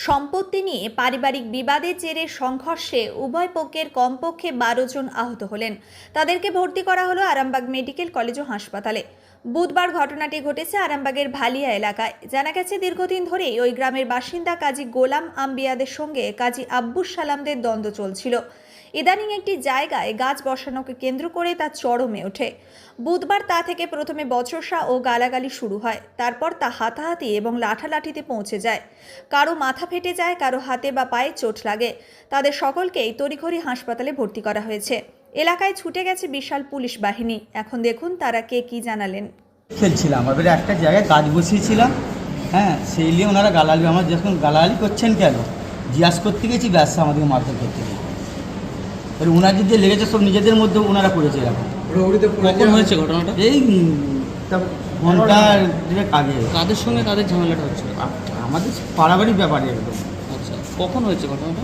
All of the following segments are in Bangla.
সম্পত্তি নিয়ে পারিবারিক বিবাদের জেরে সংঘর্ষে উভয় পক্ষের কমপক্ষে 12 জন আহত হলেন। তাদেরকে ভর্তি করা হলো আরামবাগ মেডিকেল কলেজ ও হাসপাতালে। বুধবার ঘটনাটি ঘটেছে আরামবাগের ভালিয়া এলাকায়। জানা গেছে, দীর্ঘদিন ধরেই ওই গ্রামের বাসিন্দা কাজী গোলাম আম্বিয়াদের সঙ্গে কাজী আব্বুস সালামদের দ্বন্দ্ব চলছিল। ইদানিং একটি জায়গায় গাছ বসানোকে কেন্দ্র করে তা চরমে ওঠে। বুধবার তা থেকে প্রথমে বচসা ও গালাগালি শুরু হয়, তারপর তা হাতাহাতি এবং লাঠালাঠিতে পৌঁছে যায়। কারো মাথা ফেটে যায়, কারো হাতে বা পায়ে চোট লাগে। তাদের সকলকেই তড়িঘড়ি হাসপাতালে ভর্তি করা হয়েছে। এলাকায় ছুটে গেছে বিশাল পুলিশ বাহিনী। এখন দেখুন তারা কে কি জানালেন। খেলছিলাম, এবারে একটা জায়গায় কাজ বসিয়েছিলাম, সেই নিয়ে ওনারা গালালি, আমার যখন গালাগালি করছেন কেন জিজ্ঞাসা করতে গেছি, ব্যবসা আমাদেরকে মারধর করতে গেছি। এবার ওনাদের যে লেগেছে সব নিজেদের মধ্যে ওনারা করেছে। এরকম কখন হয়েছে ঘটনাটা? এই ঘন্টা আগে। কাদের সঙ্গে কাদের ঝামেলাটা হচ্ছে? আমাদের পাড়াবাড়ির ব্যাপারে একদম। আচ্ছা, কখন হয়েছে ঘটনাটা?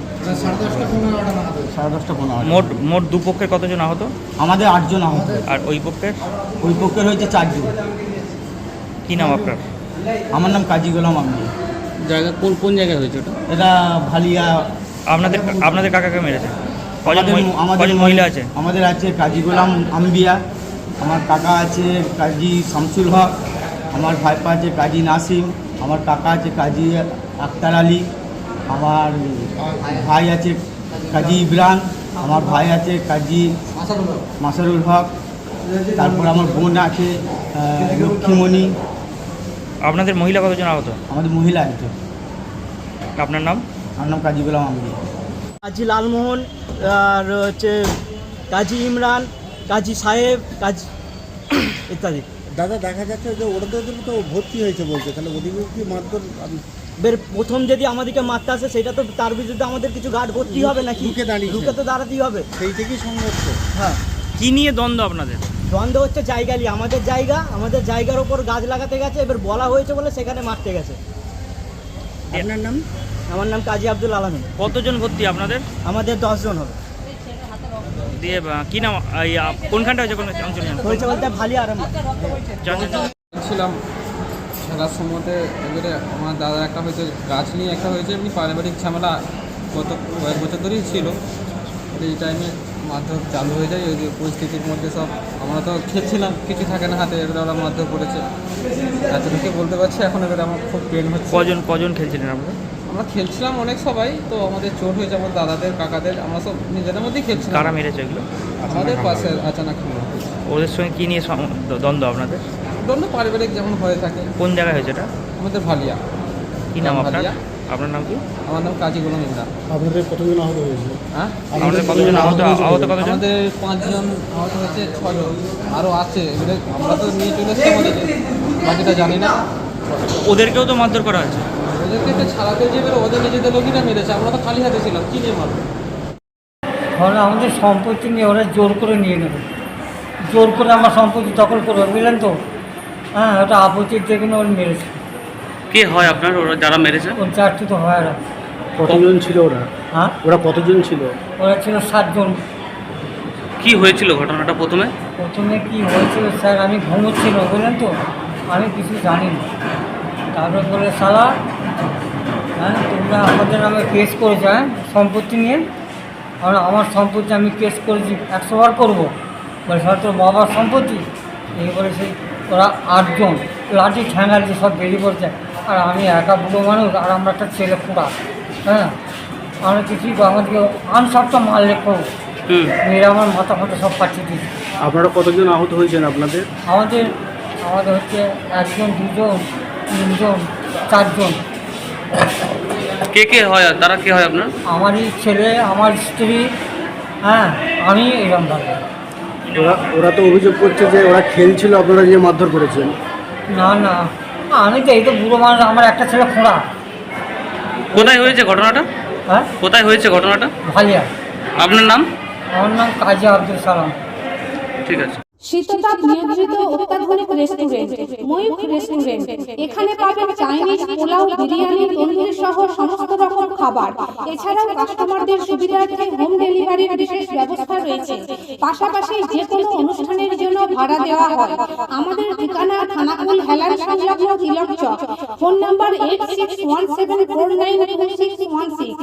10:30-15। মোট দুপক্ষের কতজন আহত? আমাদের 8 জন আহত। আর ওই পক্ষের? ওই পক্ষের হয়েছে 4 জন। কি নাম আপনার? আমার নাম কাজী গোলাম আম্বিয়া। জায়গা কোন জায়গায় হয়েছে ওটা? এটা ভালিয়া। আপনাদের কাকাকে মেরেছে? আমাদের মহিলা আছে? আমাদের আছে কাজী গোলাম আম্বিয়া, আমার কাকা আছে কাজী শামসুল হক, আমার ভাইপা আছে কাজী নাসিম, আমার কাকা আছে কাজী আক্তার আলী, আমার ভাই আছে কাজী ইব্রান, আমার ভাই আছে কাজী মাসারুল হক, তারপর আমার বোন আছে লক্ষ্মীমণি। আপনাদের মহিলা কতজন আহত? আমাদের মহিলা একজন। আপনার নাম? আমার নাম কাজী গোলাম আম্বিয়া। কাজী লালমোহন, আর হচ্ছে কাজী ইমরান, কাজী সাহেব, কাজী ইত্যাদি। দাদা, দেখা যাচ্ছে যে ওদের তো ভর্তি হয়েছে বলছে, তাহলে ওদিকে কি মারধর? বের প্রথম যদি আমাদেরকে মারতে আসে, সেটা তো তার বিরুদ্ধে আমাদের কিছু গার্ড ভর্তি হবে নাকি? রুখে তো দাঁড়াতেই হবে। সেই থেকেই সংঘর্ষ। হ্যাঁ, কি নিয়ে দ্বন্দ্ব আপনাদের? দ্বন্দ্ব হচ্ছে জায়গা নিয়ে। আমাদের জায়গার ওপর গাছ লাগাতে গেছে, এবার বলা হয়েছে বলে সেখানে মারতে গেছে। আপনার নাম? আমার নাম কাজী আব্দুল আলমিন। কতজন ভর্তি আপনাদের? আমাদের 10 জন হবে। দিয়ে কি নাম, কোনখানটা হয়েছে, কোন অঞ্চল হয়েছে বলতে ভালি আরামবাগ। ছিলাম খেলার সময়তে। এবারে আমার দাদা একটা হয়েছে, গাছ নিয়ে একটা হয়েছে, এমনি পারিবারিক ঝামেলা গত কয়েক বছর ধরেই ছিল। এই টাইমে মারধর চালু হয়ে যায়। ওই যে পরিস্থিতির মধ্যে সব আমরা তো খেলছিলাম, কিছু থাকে না হাতে, এবারে ওরা মারধর করেছে। এতটুকু বলতে পারছি। এখন এবারে আমার খুব পেন হচ্ছে। কজন খেলছিলেন আপনারা? আমরা খেলছিলাম অনেক সবাই, তো আমাদের চোট হয়েছে, আমার দাদাদের কাকাদের, আমরা সব নিজেদের মধ্যেই খেলছিলাম। কারা মেরেছে এগুলো? আমাদের পাশে আচানক ওদের সঙ্গে কি নিয়ে দ্বন্দ্ব আপনাদের? দ্বন্দ্ব পারিবারিক যেমন হয়ে থাকে। কোন জায়গায় হয়েছে এটা? আমাদের ভালিয়া। কি নাম আপনার? ভালিয়া। আপনার নাম কি? আমার নাম কাজী গোলাম ইমরান। আপনাদের কতজন আহত হয়েছে? হ্যাঁ, আমাদের কতজন আহত কতজন? আমাদের 5 জন আহত হয়েছে, 6 জন আরও আছে। এবারে আমরা তো নিয়ে চলে এসেছি, আমাদেরকে বাকিটা জানি না। ওদেরকেও তো মারধর করা হয়েছে? ওদেরকে একটা ছাড়াতে যে এবারে ওদের নিজেদের লোকই না মেরেছে, আমরা তো খালি হাতে ছিলাম, কী নিয়ে মারবো? তাহলে আমাদের সম্পত্তি নিয়ে ওরা জোর করে নিয়ে নেবে, জোর করে আমার সম্পত্তি দখল করবে, বুঝলেন তো? হ্যাঁ, ওটা আপত্তির দেখে ওরা মেরেছে। কে হয় আপনার ওরা যারা মেরেছে? ওর 4টি তো হয় না। কতজন ছিল ওরা? হ্যাঁ, ওরা কতজন ছিল? ওরা ছিল 7 জন। কি হয়েছিল ঘটনাটা প্রথমে? প্রথমে কি হয়েছিল স্যার, আমি ঘুমোচ্ছিল, বুঝলেন তো, আমি কিছু জানি না। তারপরে বলে শালা, তোমরা আমাদের নামে কেস করেছো, সম্পত্তি নিয়ে। আমার সম্পত্তি আমি কেস করেছি, 100 বার করবো। বলে স্যার, তোর বাবার সম্পত্তি। এই বলে সেই ওরা 8 জন লাঠি ঠ্যাঙালি সব বেরিয়ে পড়ছে। আর আমি একা বুড়ো মানুষ, আর আমরা একটা ছেলে পুরা। আমরা কিছুই আমাদেরকে আনসারটা মারলে করবো, মেয়েরা আমার মাথা ফাটা সব পাঠিয়ে দিয়েছে। আপনারা কতজন আহত হয়েছেন আপনাদের? আমাদের হচ্ছে 1 জন, 2 জন, 3 জন, 4 জন। কে হয়? তারা কে হয় আপনার? আমারই ছেলে, আমার স্ত্রী, আমি এরকম ভাবে। ওরা তো অভিযোগ করছে যে ওরা খেলছিল, আপনারা যে মারধর করেছেন। না, আমি তো এই তো বুড়ো মানুষ, আমার একটা ছেলে খোঁড়া। কোথায় হয়েছে ঘটনাটা? হ্যাঁ, কোথায় হয়েছে ঘটনাটা? ভালিয়া। আপনার নাম? আমার নাম কাজী আব্দুল সালাম। ঠিক আছে। শীততাপ নিয়ন্ত্রিত অত্যাধুনিক রেস্টুরেন্ট ময়ূখ রেস্টুরেন্ট। এখানে পাবেন চাইনিজ, পোলাও, বিরিয়ানি, তন্দুরি সহ সমস্ত রকম খাবার। এছাড়াও কাস্টমারদের সুবিধার্থে হোম ডেলিভারির বিশেষ ব্যবস্থা রয়েছে। পাশাপাশি যে কোনো অনুষ্ঠানের জন্য ভাড়া দেওয়া হয়। আমাদের ঠিকানা খানাকুল হেলান সংলগ্ন তিলক চক। Phone number 8617492616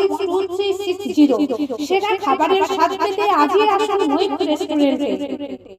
9732162360। সেরা খাবারের স্বাদ পেতে আজই আসুন মৈত্র রেস্টুরেন্টে।